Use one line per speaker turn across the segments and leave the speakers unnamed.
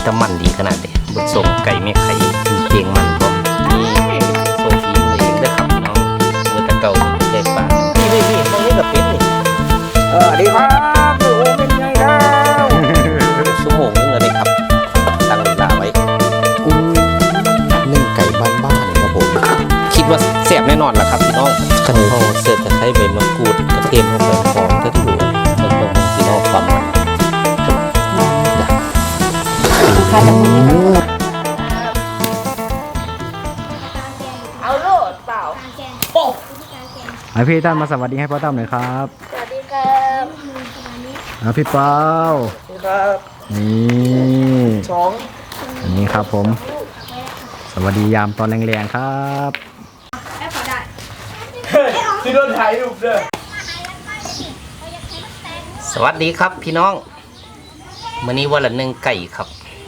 จะมันดีขนาดเด็ดบุญส่งไก่แม่ไข่มีเพียงมันพร้อมนี่โซฟีมือเองเด้อครับพี่น้องมือตะเก่าใจปากนี่ตรงนี้กับเป็ดนี่
ดีครับโอ้เป็นไงครับ
ชั่วโมงนึงเลยครับตั้งเวลาไว้
นึ่งไก่บ้านๆครับผม
คิดว่าแซ่บแน่นอนแหละครับพี่น้องขั้นตอนเสิร์ฟจะใช้ใบมะกรูดกระเทียมลงไปหอมทั้งหมดแล้วก็พี่น้องความมัน
เอาโลดเปล่า
โอ้พี่ตั้มมาสวัสดีให้พ่อตั้มหน่อยครับ
สวัสดีครับ
พี่เปา
ครับ
นี่
สอง
อันนี้ครับผมสวัสดียามตอนแรงๆครับ
ที่โดนถ่ายรูปเด้อ
สวัสดีครับพี่น้องมื้อนี้วันละ1ไก่ครับ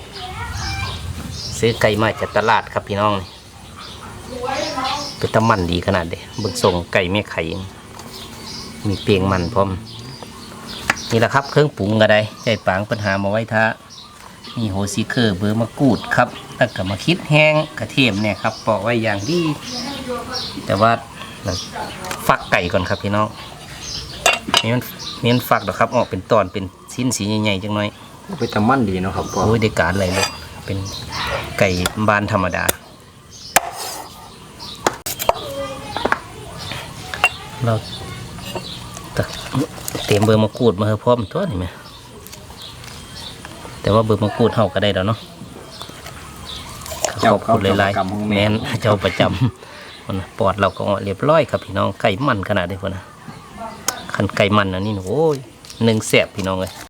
ซื้อไก่มาจากตลาดครับพี่น้องเป็นตะมันดีขนาดเด็ดบึกส่งไก่แม่ไข่มีเปียงมันพร้อมนี่แหละครับเครื่องปรุงกระไดใจปางปัญหามาไว้ท่ามีโหซีเคอร์เบอร์มะกรูดครับแล้วก็มาคิดแห้งกระเทียมเนี่ยครับปอกไว้อย่างดีแต่ว่าเราฟักไก่ก่อนครับพี่น้องมันฟักดอกครับออกเป็นตอนเป็นชิ้นสีใหญ่ๆจังหน่อย
เป็นตะมันดีเนาะครับ
โอ้ยได้การอะไรเลยเป็นไก่บ้านธรรมดาเราเตรียมเบอร์มะกรูดมาให้พร้อมตัวนี่ไหมแต่ว่าเบอร์มะกรูดเฮาก็ได้แล้วเนาะขอบคุณหลายๆแม่นเจ้าประจำคนปอดเราก็เรียบร้อยครับพี่น้องไก่มันขนาดนี้คนนะขันไก่มันนะนี่โอ้ย1แซ่บพี่น้องเลย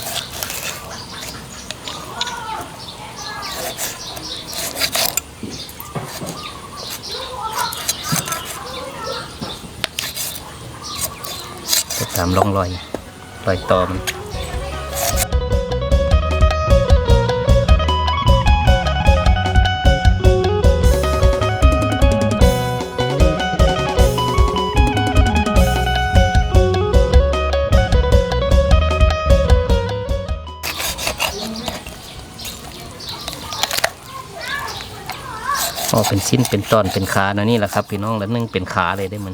ตามร่องรอยต่อมันเป็นชิ้นเป็นตอนเป็นขานะนี่แหละครับพี่น้องแล้วนึ่งเป็นขาเลยได้มัน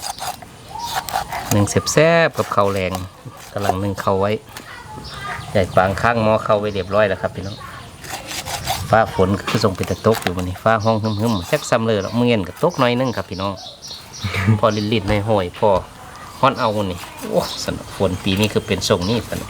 นึ่งแซ่บๆกับข้าวแรงกำลังนึ่งข้าวไว้ใหญ่ปางข้างหม้อข้าวไว้เรียบร้อยแล้วครับพี่น้องฟ้าฝนคือส่งเป็นตะตกอยู่มันนี่ฟ้าห้องหึมๆแซ่บซ้ำเลยแล้วเมื่อเย็นกับตกน้อยนึงครับพี่น้องพอลิ้นๆในห้อยพอฮ้อนเอานี่โอ้สนุกฝนปีนี้คือเป็นทรงนี้ฝน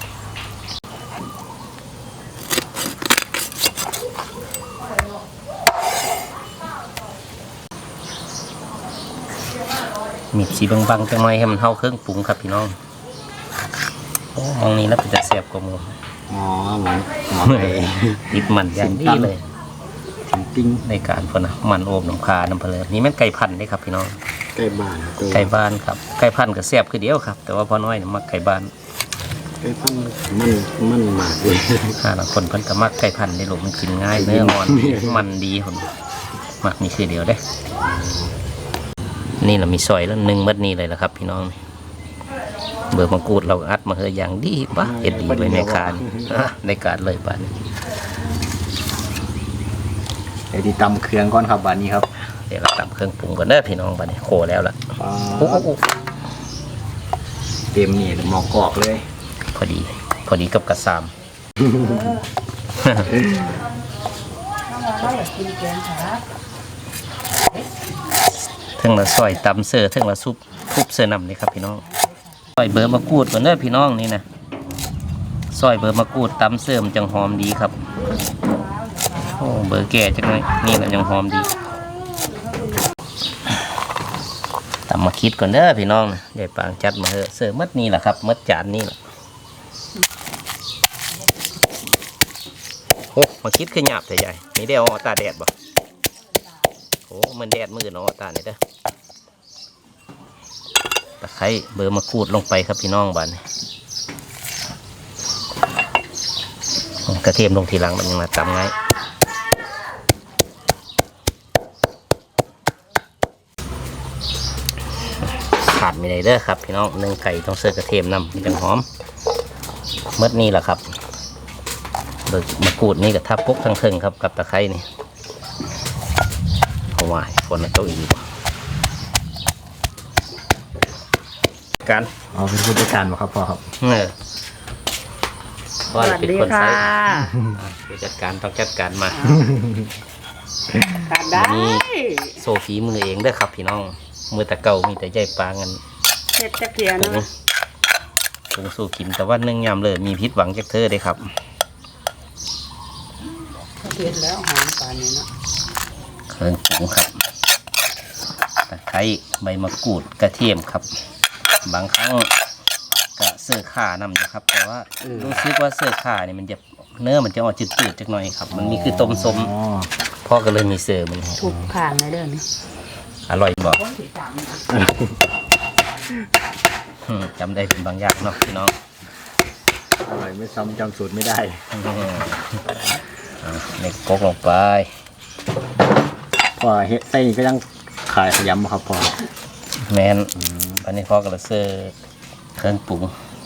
มีสีบางๆจังเลยให้มันเท่าเครื่องปรุงครับพี่น้องโอ้มองนี้แล้วเป็นจะแซ่บกว่าหมู
เหมือน
ดิบมันอย่างดีเลย
ปิ้ง
ในการพอนะมันโอบน้ำคาน้ำเพลินนี่แม่นไก่พันธุ์ได้ครับพี่น้อง
ไก่บ้าน
ครับไก่พันธุ์ก็แซ่บคือเดียวครับแต่ว่าพอน้อยมักไก่บ้าน
ไก่พันธุ์มันมากเลย
คนเพิ่นก็มักไก่พันธุ์ในหลุมมันกินง่ายเนื้ออ่อนมันดีคนมักนี่คือเดียวได้นี่เรามีซอยแล้ว1มัดนี้เลยละครับพี่น้องเบอร์มะกรูดเราอัดมาเฮยอย่างดีปะเอ็ดดีไปในคานในการเลยบ้าน
ไอ้ที่ตำเครื่องก่อนครับบ้านนี้ครับ
เดี๋ยวเราตำเครื่องปรุงก่อนเด้อพี่น้องบ้านนี้โคแล้วล่ะ
เต็มนี่หมอกอกเลย
พอดีกับกระซามทั้งละซอยตำเสือทั้งละซุปทุบเสือนำนี่ครับพี่น้องซอยเบอร์มะกรูดก่อนเด้อพี่น้องนี่นะซอยเบอร์มะกรูดตำเสือมันจังหอมดีครับโอ้เบอร์แก่จังเลยนี่แหละยังหอมดีตำมาคิดก่อนเด้อพี่น้องนะเดี๋ยวปางจัดมาเถอะเสือมัดนี่แหละครับมัดจานนี่แหละโอ้มาคิดขึ้นหยาบแต่ใหญ่นี่ได้เอาตาแดดบ่โอ้มันแดดมือเนาะตาเนี่ยเด้อตะไคร้เบอร์มะกรูดลงไปครับพี่น้องบ้านกระเทียมลงทีหลังมันยังมาตำง่ายขาดไม่ได้เด้อครับพี่น้องนึ่งไก่ต้องเสิร์ฟกระเทียมนำมันจังหอมเมื่อนี้แหละครับเบิกมะกรูดนี่กับทับปุ๊กทั้งเทิงครับกับตะไคร้นี่เอาไว้ฝนมันตกอีกการ
เอาเป็นผู้จัดการบ่ครับพ่อครับ
ว่าเป็นคนใช้ผู้จัดการต้องจัดการมา
การได้
นี่โซฟีมือเองเด้อครับพี่น้องมือตะเก่ามีแต่ใยปลางัน
เห็ดตะเกียบ
ผง
เนาะ
ผงสู้ขิมแต่ว่านึ่งยำเลยมีพิษหวังจากเธอได้ครับ
เห็ดแล้วหอมปานนี้เนาะ
เครื่องปรุงครับตะไคร้ใบมะกรูดกระเทียมครับ บางครั้งก็เสื้อข่านำอยู่ครับ แต่ว่ารู้สึกว่าเสื้อข่านี่มันจะเนื้อมันจะออกจืดๆจักหน่อยครับ มันมีคือต้มส้ม
อ๋อ
พ่อก็เลยมีเสื้อมันให้
ถูกข่างในเรื่องนี้
อร่อยบอก
คนที่สามนะ
จำได้เป็นบางอย่างเนาะพี่น้อง
อร่อยไม่ซ้ำจำสูตรไม่ได้
เล็กกกลงไป
พ่อเฮ็ดไส้นี่ก็ยังขายขยำบ่ครับพ่อ
แมนอันนี้พ่อก็เลยเสื้อเครื่องปรุง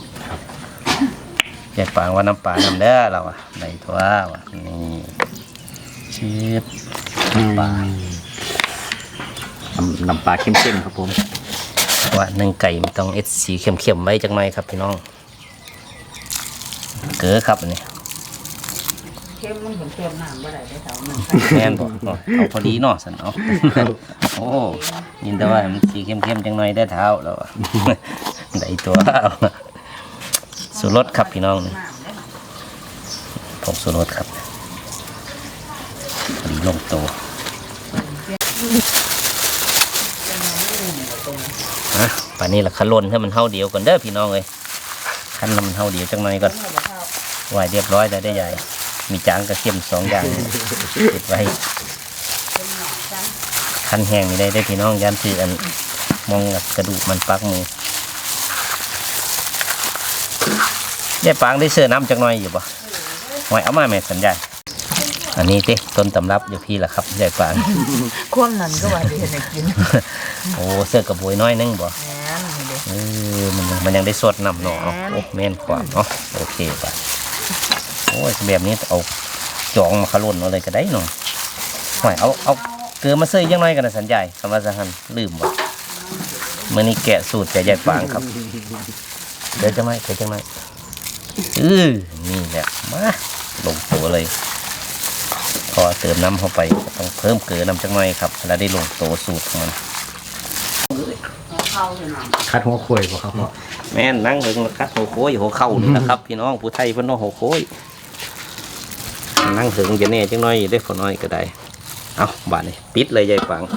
แยกปางว่าน้ำปลาน้ำเด้อเราอะในตัวว่ะนี่ชีสปลา
น้ำปลาเข้มๆครับผม
ว่าหนึ่งไก่มันต้องเอสสีเข้มๆไว้จังหน่อยครับพี่น้องเกลือครับอันนี้
เข้มมันเห็นเข้มน้ำบ่ได้ได้เท่านึง
แมนบอกเอาพอดีเนาะสันเอาโอ้ยินแต่ว่ามันสีเข้มๆจังหน่อยได้เท้าแล้วอะได้ตัวสูรสครับพี่น้องนี่ผงสูรสครับพอดีลงตัวป่านนี้ละคันลนให้มันเท่าเดียวก่อนเด้อพี่น้องเลยคันมันเท่าเดียวจังหน่อยก่อนไหวเรียบร้อยแล้วได้ใหญ่ มีจางกระเทียม2 อย่างเก็บไว้คันแห้งนี่ได้พี่น้องยันถืออันมองกระดูกมันปักมือยายปางได้เสื้อน้ำจังหน่อยอยู่ปะไหวเอามาแม่สัญญาณอันนี้ติต้นตำรับอยู่พี่ละครับยายปาง
ความนั้นก็ว่าดีให้กิน
โอ้เสื้อกระบวยน้อยนึงบ่
แม่นนี่เด้
มันยังได้สดน้ำเนาะโอ้แม่นกว่าเนาะโอเคป่ะโอ้ยแบบนี้เอาจองมาขลุ่นเอาเลยก็ได้เนาะหอยเอาเกลือมาเสื้อยังน้อยกันนะสัญญาคำว่าสังหันลืมบ่เมื่อนี้แกะสูตรจากยายปางครับเดี๋ยวจะไม่นี่แหละมาลงตัวเลยพอเติมน้ำเข้าไปต้องเพิ่มเกลือน้ำจังหน่อยครับแล้วได้ลงตัวสูตรของมัน
เข้าเลยน้
คัดหัวข่วยบ่ครับพ่อ
แม่นนั่งเบิ่งคัดหัวโค้ยหัวเข่านี่นะครับ พี่น้องผู้ไทยเพิ่นเนาะหัวโค้ยนั่งถึงจะแน่จังน้อยได้ฝนน้อยก็ได้เอาบาดนี้ปิดเลยยายปัง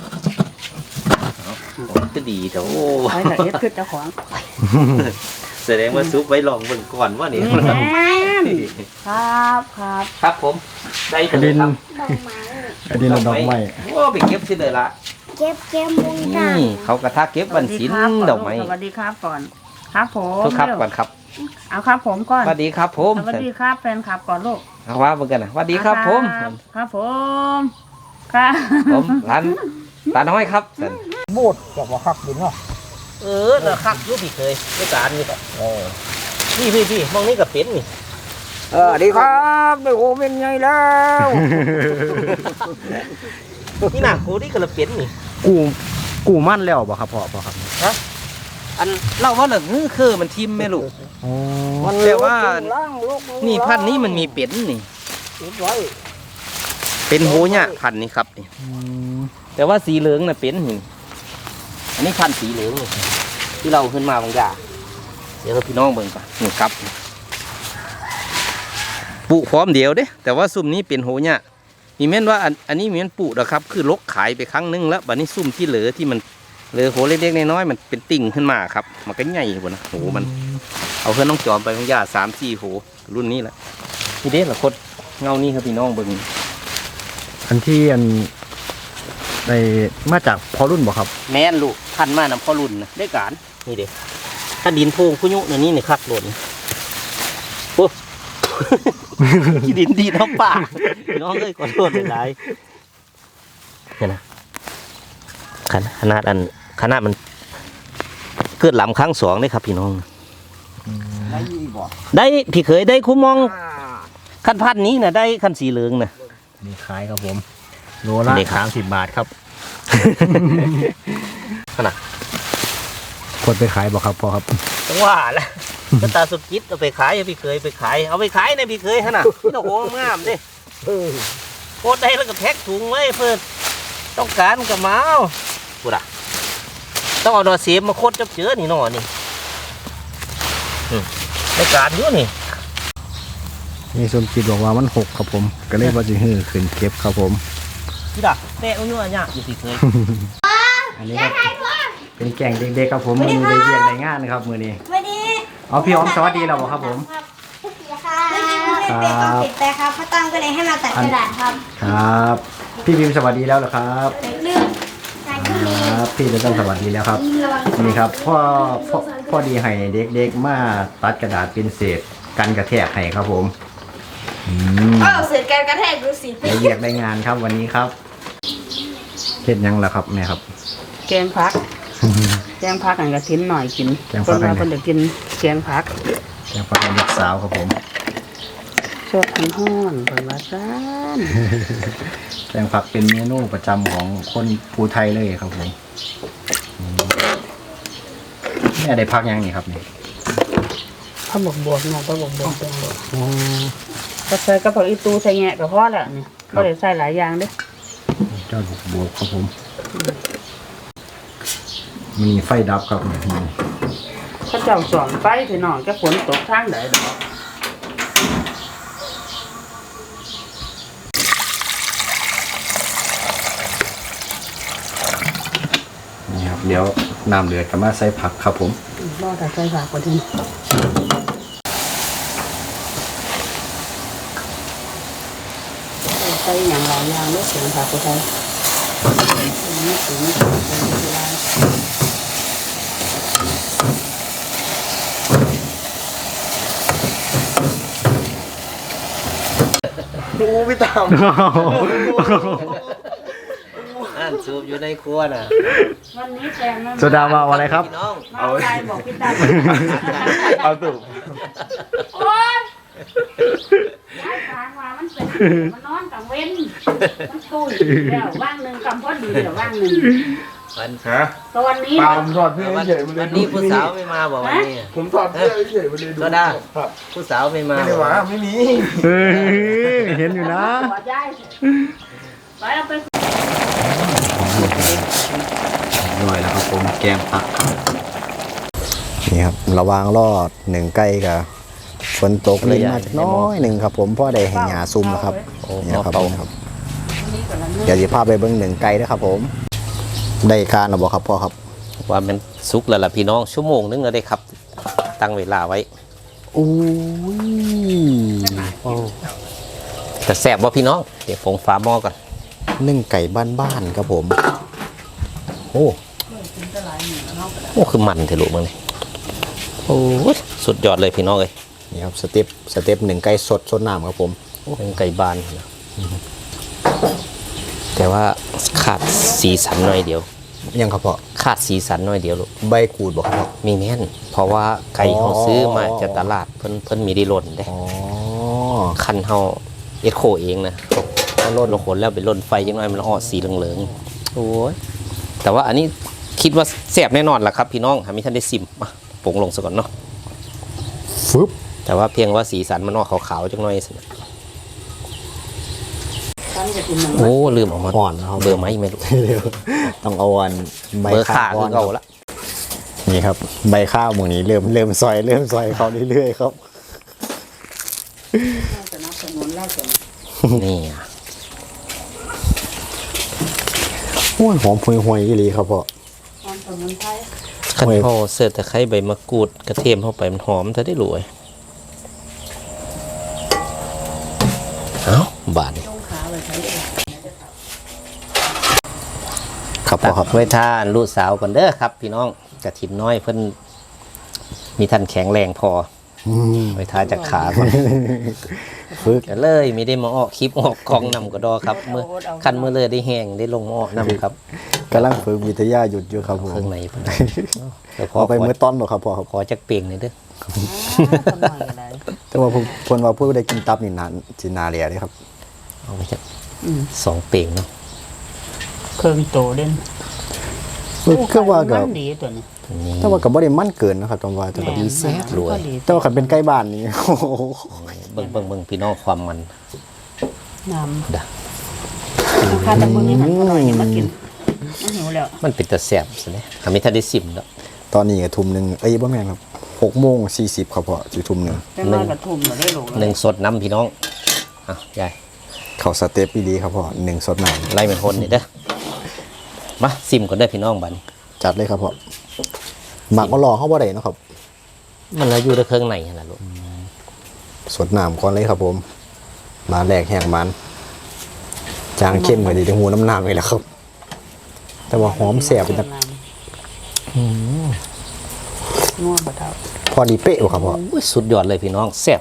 เอาก็ดีเถอะโอ้
ำไว้แต่เฮ็ดคือเจ้าของ
แสดงว่าซุปไว้ลองเบิ่งก่อนว่านี่
แม่นครับครับ
ครับผมได้
กระ
เล
ดิ
ย
น
ครับ
กระดินและดอกไม้
โอ้ไปเก็บสิเลยละ
เก็บวงกลาง
นี่เขากระทาเก็บวันศิลป์ดอกไม้
สวัสดีครับก่อนครับผม
ทุกครับก่อนครับ
เอาครับผมก่อน
สวัสดีครับผม
สวัสดีครับแฟนคลับก่อนลูก
เอาว่าเบิ่งกันนะสวัสดีครับผม
ครับผมครับ
ผมร้านน้อยครับสัน
บูดจะมาคักดินเนาะ
เราคักอยุพี่เคยไม่การนี่ก็พี่มองนี่ก็เป็นนี่
ดีครับเดี๋ยวโอเป็นไงแล้ว
นี่หนักกูนี่ก็ละเป็นนี่
กูมั่นแล้วบ่ครับพ่อครับ
อันเล่าว่าเหลืองคือมันทิมแม่ลูก
อ๋อ
มันแปลว่านี่พันธุ์นี้มันมีเป็นนี่ เป็นโหเนี่ยพันธุ์นี้ครับนี่
อืม
แต่ว่าสีเหลืองน่ะเป็นนี่อันนี้พันธุ์สีเหลืองนี่ที่เราขึ้นมาบางอย่างเดี๋ยวพี่น้องเบิ่งก่อนนี่ครับปลูกพร้อมเดียวเด้แต่ว่าซุ่มนี้เป็นโหเนี่ยมีแม่นว่าอันนี้มีแม่นปลูกนะครับคือลกขายไปครั้งนึงแล้วบัดนี้ซุ่มที่เหลือที่มันเหลือโหเล็กๆน้อยๆมันเป็นติ่งขึ้นมาครับมันก็ใหญ่กว่านะโหมันเอาเพื่อนน้องจอมไปบางอย่าง3-4โหรุ่นนี้แหละนี่เด้ละคนเงานี่ครับพี่น้องเบิ่ง
อันที่ได้มาจากพอรุ่นบ่ครับ
แม่นลูกพันมานำพ่อรุ่นนะได้การนี่เด็กถ้าดินโพงพุยุเนี่ยนี่เนี่ยคักหล่นโอ้ ที่ดินดีน้ำป่าน้องเอ้ยขอโทษหลายๆเนี่ยนะขนาดมันเกิดหลำครั้ง2ได้ครับพี่น้องได้พี่เคยได้คุ้มมองขั้นพันนี้น่ะได้ขั้นสีเหลืองน่ะ
นี่ขายครับผมโลละ
นี่ครับ
30 บาทครับ
ขนาด
คนไปขายบ่ครับพ่อครับ
จังว่าแหละก็ตาสุดคิดเอาไปขายเอาพี่เคยไปขายเอาไปขายในพี่เคยขนาดนี่โอ้โหงามดิโคตรได้แล้วก็แพ็คถุงไว้เพื่อต้องการกับเมาพูดอ่ะต้องเอาดอกเสียมมาโคตรจับเจือนี่หน่อนี่ในการอยู่นี่
นี่สมจิตบอกว่ามันหกครับผมก็เลยว่าจะฮือขึ้นเก็บครับผม
พี่ดาแม่เอาอยู่อ่ะเนี่ยอยู่พี่เคย
อันนี้ก็เป็นแกงเด็กๆครับผมมือนี้ได้เรียกได้งานนะครับมือนี้
วันนี้
เอาพี่อ๋อมสวัสดีเราบอกครับผม
ค่ะเมื่อกี้เพื่อนเป็นกองติดแต่ครับพ่อตั้งก็เลยให้มาตัดกระดาษครับ
ครับ พี่พิมพ์สวัสดีแล้วเหรอครับ
เรื่องงานที่มี
ครับพี่จะต้องสวัสดีแล้วครับ
ระวัง
นี่ครับพ่อดีให้เด็กๆมาตัดกระดาษเป็นเศษกันกระแทกให้ครับผม
เสือการกระแทกดูสิ
ได้เรียกได้งานครับวันนี้ครับเฮ็ดยังล่ะครับแม่ครับ
แกงพัก แกงพักอันกระทิ้นหน่อยกิน
แกงพัก
คนมาคนเดียวกินแกงพัก
แกงฟักเด็กสาวครับผม
ชอบทั้งห้อนเปิดว่าซ่าน
แกงผักเป็นเมนูประจำของคนภูไทยเลยครับผมแม่ได้พักยังนี่ครับนี่
ข้าวบวบเนาะข้าวบวบแกงบวบก็ใส่กระเพราอีตูใส่แงะกับพ่อแหละเนี่ยก็เลยใส่หลายอย่างเด้
เจ้าบวกครับผมมีไฟดับครับนี่
เขาเจ้าสอนไปพี่น้องจะฝนตกทางไหนดอก
นี่ครับเดี๋ยวน้ำเดือดก็มาใส่ผักครับผม
รอแต่ใส่ผักก่อนทีใส่อย่างหลายอย่างเลือกเสียงผักกูไทยนี่ถึงนี่ถึงเวลา
ดูพี่ตาม
อ่านสูบอยู่ในครัวน่ะ
วันนี้แฟนมัน
โซดามาอะไรครับ
พี่น้อง
มาใครบอกพี่ตา
เอาตุ่
โอ๊ยย้ายทางมามันเป็นมันนอนกลางเว้นมันตุ้ยเดี๋ยวว่างหนึ่งกำพอดีเดี๋ยวว่างหนึ่ง
วัน
ฮะ
ตอนนี้
เปล่าผมถอดเสื้อเฉยๆมันเล
วั
ย
น
ดู
นี้ผู้สาวไม่มาบอกวันนี้
ผมถอดเสื้อเฉยๆมันเลยดู
โซดา
ครับ
ผู้สาวไม่มา
ไม่ได้หวาไม่มี
เห็นอยู่นะ
ขอย้ายไปเอาไป
อร่อยแล้วครับผมแกงผักนี่ครับระวางรอดหนึ่งใกล้กับฝนตกเลยมาน้อยหนึ่งครับผมพ่อได้ให้หยาซุ่มแล้วครับนี่ครับผมครับเดี๋ยวจะพาไปเบิ้งหนึ่งไกลนะครับผมได้การหรือเปล่าครับพ่อครับ
ว่ามันสุกแล้วล่ะพี่น้องชั่วโมงนึงก็ได้ครับ ตั้งเวลาไว้
อู้ย
แต่แซ่บว่าพี่น้องเดี๋ยวผมฟ้าหม้อก่อน
นึ่งไก่บ้านๆครับผมโอ้
โอ้คือมันเถอะลูกมึงนี่โอ้ยสุดยอดเลยพี่น้องเลย
นี่ครับสเต็ปหนึ่งไก่สดน้ำครับผม
เป็นไก่บานนะแต่ว่าขาดสีสันหน่อยเดียว
ยังครับพ่อ
ขาดสีสันหน่อยเดียวลูก
ใบกูดบอกครับพ่อ
มีแม่นเพราะว่าไก่เขาซื้อมาจากตลาดเพิ่นมีได้หล่นได้
อ๋อ
คันเฮาเอ็ดโคเองนะเขาลดลงขนแล้วไปล่นไฟยังไงมันออกสีเหลืองๆโอ้ยแต่ว่าอันนี้คิดว่าแซ่บแน่นอนล่ะครับพี่น้องหามิท่านได้ซิมมาปรุงลงซะก่อนเนาะ
ฟึบ
แต่ว่าเพียงว่าสีสันมันออกขาวๆจังหน่อยสิ
ฉันจะกินมัน
โอ้ลืมออกมา
ห่อนนะครับ
เบอร์ไหมไม่รู้
เดี๋ยวต้องเอาอันใบ
เบอร์ขา
ข้าว
คือเก่าละ
นี่ครับใบข้าวหมูนี้เริ่มซอยเขาเรื่อยๆครับ
สนับสนุนแล้วจ้ะ
นี่อะ
โอ้ยหอมห่วยๆอีหลีครับพ่อ
ความสมุนไพร
ขันพอเสิร์ฟตะไคร้ใบมะกรูดกระเทียมเข้าไปมันหอมจะได้รวยเอ้าบาดนี่
ต้องขาเลยใช้
ครับพ่
ตั
อก ครับ
ไว้ทานลูกสาวก่อนเด้อครับ พี่น้องกระถินน้อยเพิ่นมีท่านแข็งแรงพอไว้ทาจากขาก่อน
ฝึก
ก็เลยไม่ได้มาออกคลิปออกกองนำก็ดอครับเมื่อคันเมื่อเลยได้แห้งได้ลงมาออกนำครับ
กำลังฝึกวิทยาหยุดอยู่ครับผม
เครื่องในเพิ่นแต่พอ
เอาไปมือต้นหรอครับพ่อครับ
ขอจักเปลียงหน่อยเด้อ
ทำหน่อยอะไร
แต่ว่าเพิ่นว่าผู้ได้กินตับนี่นานสินาเลียเลยครับ
เอาไปจัก2 เป่งเนาะ
เครื่องโตเด่น
คือว่าก็
มันดีตัวนี้
นี่
แต่ว่าก็บ่ได้มันเกินนะครับตอนว่าแต่ก็ดีแซ่บ
รวย
แต่ว่าคันเป็นใกล้บ้านนี่ โอ้โห
เบิ่งพี่น้องความมัน
น้
ดะ
ำราคาตะมึงนี่หันอร่อยนี่มากินมันหิวแล้ว
มันเป็นตะแซ่บซะแน่ถ้ามีถ้าได้ซิมแล้ว
ตอนนี้ก็ทุ่มหนึงบ่แม่นครับ6:40ครับพ่อสิทุ่มหนึง
แต่น้อยกระทุ่มเราได้ลง
หนึ่งสดน้ำพี่น้องอ่ะยาย
เข้าสเต็ปดีครับพ่อ1สดน้ำ
ไล่เป็นคนนี่เด้อมาซิมก่อนเด้อพี่น้องบัดนี้
จัดเลยครับพ่อหมักมารอเฮาบ่ได้เนาะครับ
มันแล้วอยู่ในเครื่องในนั่นแหละลูก
สดน้ำก่อนเลยครับผมมาแรกแห้งมันจางเข้มกว่าดีทั้งหูน้ำน้ำเลยแหละครับ แต่ว่าหอมแสบเป็นตะ
นัวบะเท่า
พอดีเป๊ะว่ะครับพ่อ
อุ้ยสุดยอดเลยพี่น้องแซ่บ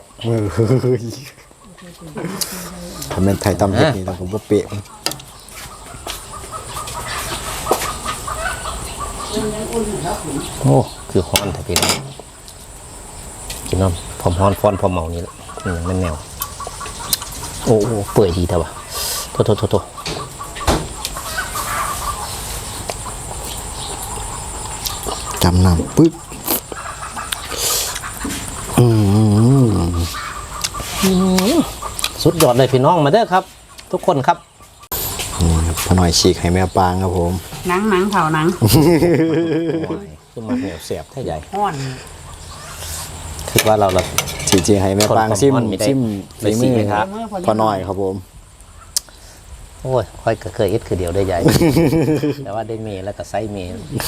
ทำเป็นไทยตำเผ็ดนี่ต้องผมว่าเป๊ะ
โอ้คือฮ้อนแต่พี่น้องกินน้ำพร้อมฮ้อนฟ้อนพร้อมเมานี่แหละนี่ยังไม่แนวโอ้เปื่อยดีแต่ว่าโท
จำน้ำปึ๊บ
สุดยอดเลยพี่น้องมาเด้อครับ ทุกคนครับ
นี่ครับพอหน่อยฉีกให้แม่ปางครับผม
หนังเผาหนัง
ขึ้นมาเหนียวแสบแท้ใหญ่
ห้อน
คือว่าเรา
ฉีกให้แม่ปาง
คน
ซิม
ความร้อนไม่ได้
ซิม
ไม่
ฝี
สิ
มือ
ไม่ครับ
พอหน่อยครับผม
โอ้ยค่อยก็เคยเอ็ดคือเดียวได้ใหญ่ แต่ว่าได้เมย์แล้วก็ไซส์เมย์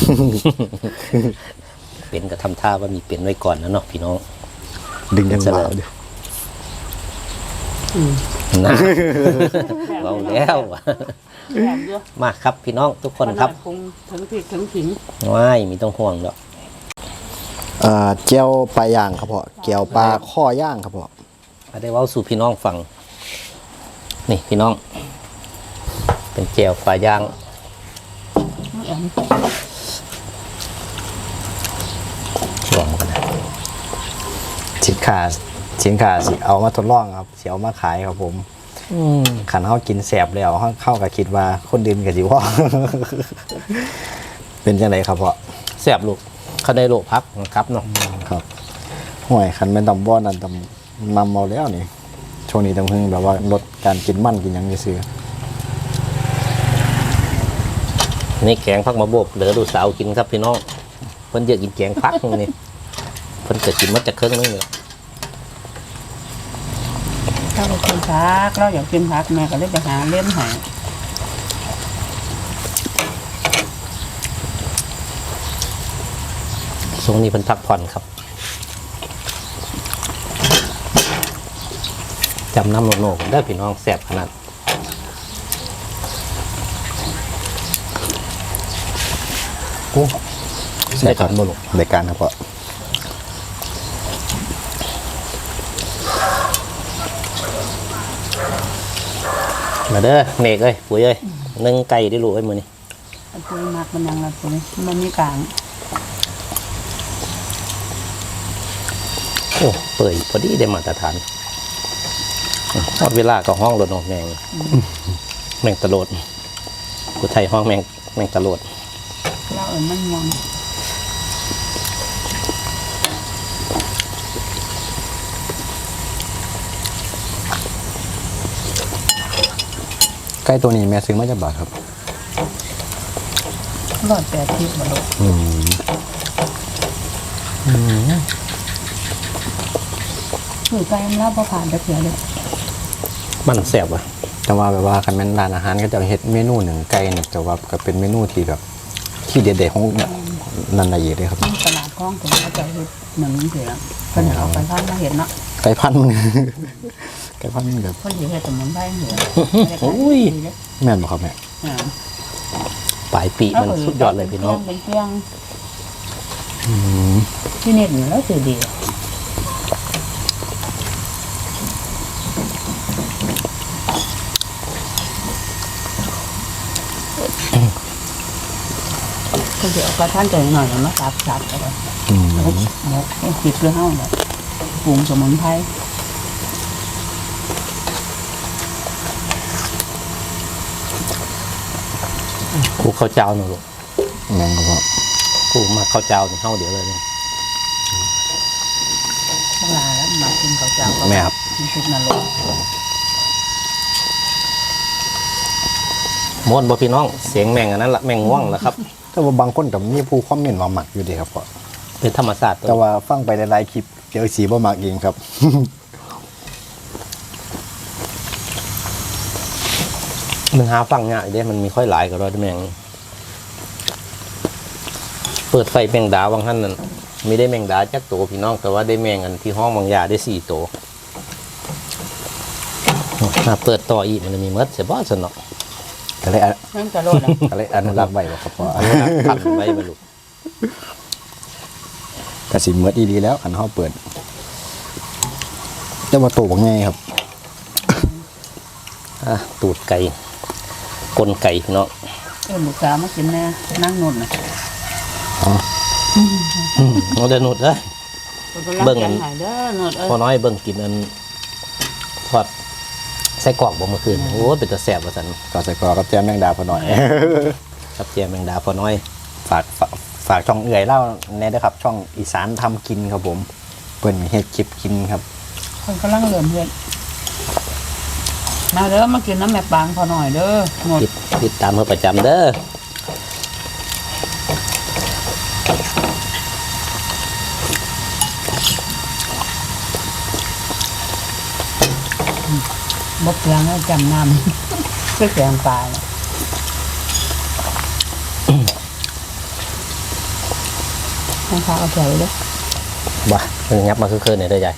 เป็นก็ทำท่าว่ามีเป็นไว้ก่อนนะเนาะพี่น้อง
ดึงจังหวะเดี๋ยว
นะเราแล้ว
แบบเยอะ
มาครับพี่น้องทุกคนครับ
ปรุงถึงพริกถึงขิง
ว้ายมีต้องห่วงเนาะ
เจียวปลาย่างครับพ่อเจียวปลาข้อย่างครับพ่อ
มาได้เว้าสู่พี่น้องฟังนี่พี่น้อง เป็นแจวปลาย่างลองกันนะ
สินค้าสิเอามาทดลองครับสิเอามาขายครับผมขันเขากินแสบแล้วเข้ากับคิดว่าคนดื่นกับจิว่า เป็นจังไรครับพ่อ
แซ่บลูกเขาได้โลพักครับเนาะ
ครับห่วยขันเป็นตำบ้อนนั่นตำนำเอาแล้วนี่ช่วงนี้ต้องพึ่งแบบว่าลดการกินมันกินหยังซื้อ
นี่แกงพักมาโบกเหลือดูสาวกินครับพี่น้องเพิ่นเยอะกินแกงพักนี่เพิ่นเกิดกินมาจากเครื่องนึงเลย
ถ้าเรากินผักเราอยากกินผักแม่ก็เลยไปหาเล่มให้
ช่วงนี้เพิ่นพักผ่อนครับจำน้ำโนกได้พี่น้องแซ่บขนาดโอ้
ใช่ครับในการครับพ่อ
มาเด้อเมฆเอ้ยปุ๋ยเอ้ยนึ่งไก่ได้รู้ไอ้มือนี่
อันตัวมักมันยังละตัวนี้มันมีกลาง
โอ้เปื่อยพอดีได้มาตรฐานทอดเวลาก็ห้องโดนออกแมงแมงตะโลดกูไทยห้องแมงตะโลด
เรามันยัง
ใกล้ตัวนี้แม่ซื้อมาจากบาทครับ
180บาทคือไก่มันรับผ่านไปเสียเลย
มันแซ่บว่ะ
แต่ว่าแบบว่าคันแม่นร้านอาหารก็จะเฮ็ดเมนูหนึ่งไก่เนี่ยแต่ว่าก็เป็นเมนูที่แบบที่เด็ดๆของนันนาเยเลยครับ
ตลาดคลองถึงเขาจะเห็ดหนึ่งเสียเป็นเอาไปพันมาเห็ดเนาะ
ไก่พันธุ์มัน ไก่พันธุ์มันแบบ
คนอยู่เห็ดสมุนไพรเหนือ
อุ้ย
แม่นบ่ครับแม่
ปลายปีมันสุดยอดเลยพี่น้อง
เป็นเครื่องที่เน็ตอยู่แล้วสื่อดีก็เดี๋ยวกระท่านใจหน่อยมาสับก็ได้หมกให้จิบเรื่องเฮาเนี่ยปรุงสมุนไพร
กูข้าวเจ้าหนูลูก
แม่งครับพ่อ
กูมาข้าวเจ้านี่เฮาเดี๋ยวเลยนี่
พวกลาแล้วมากินข้าวเจ้าก็
แม่ครับ
มีชุดนรก
ม้วนบ่พี่น้องเสียงแม่งอันนั้นละแม่งง่วงละครับ
แต่ว่าบางคนกับมีผู้คอมเมนต์ว่าหมักอยู่ดีครับพ่อ
เป็นธรรมศาสตร์ตัว
แต่ว่าฟังไปหลายๆคลิปเจอสีบ่หมักเองครับ
มันหาฟังง่ายเด้มันมีค่อยหลายก็รอดแม่งเปิดไฟแมงดาวังหั่นนั่นมีได้แมงดาจักตัวพี่น้องแต่ว่าได้แมงอันที่ห้องบางยาได้4ตัวถ้าเปิดต่ออีกมันจะมีเมดเสียบ่สนอก
ก็เลย
นั่นกระโดด
ก็เลยอนุรักษ์ไว้บ่ครับพ่อ
อันนี้นะพันไว้บรรลุ
ก็สิเมิดอีดีแล้วคันเฮาเปิดแต่ว่าโตบ่ง่ายครับ
ตูดไก่กลไก่พี่น้อง
ลูกสาวมากินแน่นั่งนุ่นน่ะ
เราจะหนุดเลย เบิ่งอัน
หายเด้อนุ่นเอ้ย
พอน้อยเบิ่งกินอันทอดไส้กรอกบ่เมื่อคืนโอ้เป็นตะแสบว่าสัน
ก็ใส่กรอกกับแจมแมงดาพอหน่อย
กับเจียมแมงดาพอน้อย
ฝากช่องเอื่อยเล่าแน่ด้วยครับ ช่องอีสานทำกินครับผมเปิ้นเฮ็ดคลิปกินครับ
คนกำลังเริ่มเฮ็ดมาเด้อมากินน้ำแม่ปางพอหน่อยเด้อหมด
ติดตามเพื่อประจำเด้อ
บกยังแล้วจำนำ ก็แกงปลาเนี่ยให้ข้าวเอาแถวเลย
บ่งับมาคือๆเนี่ยเด้อใหญ่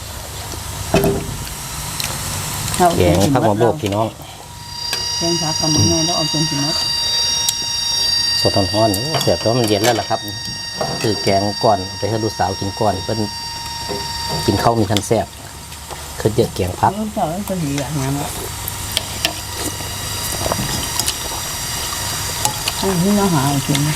เอา
แกงผักมะโบกพี่น้อง
แกงผักกับมันไงแล้วเอาจนถึงมัด
สดร้อนๆโอ้เสียบแล้วมันเย็นแล้วล่ะครับ คือแกงก่อนไปให้ลูกสาวกินก่อนเพิ่นกินข้าวมีทันแซ่บคือเยอะแกงผัก
เจ้าก็ดีอย่างนั้นแหละให้ที่น้าหากิน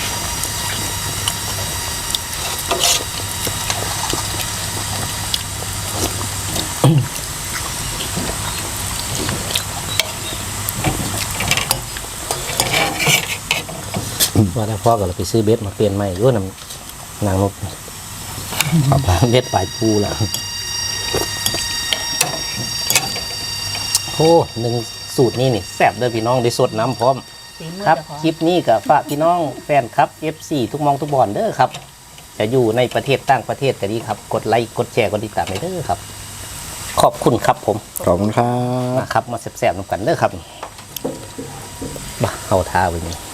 ว่าแต่พ่อก็เลยไปซื้อเบ็ดมาเปลี่ยนใหม่ด้วยน้ำนางนกเบ็ดปลายปูแล้วโอ้หนึ่งสูตรนี้นี่แซ่บเด้อพี่น้องได้สดน้ำพร้อม
ฝีมือ
ครับ
เจ้าของ
คลิปนี้กับฝากพี่น้องแฟนครับ FC ทุกมองทุกบอนเด้อครับ จะอยู่ในประเทศต่างประเทศก็ดีครับ กดไลค์กดแชร์กดติดตามให้เด้อครับ ขอบคุณครับผม
ขอบคุณครับ
มาครับมาแซ่บๆนำกันเด้อครับบ้าเข้าท่าไว้นี่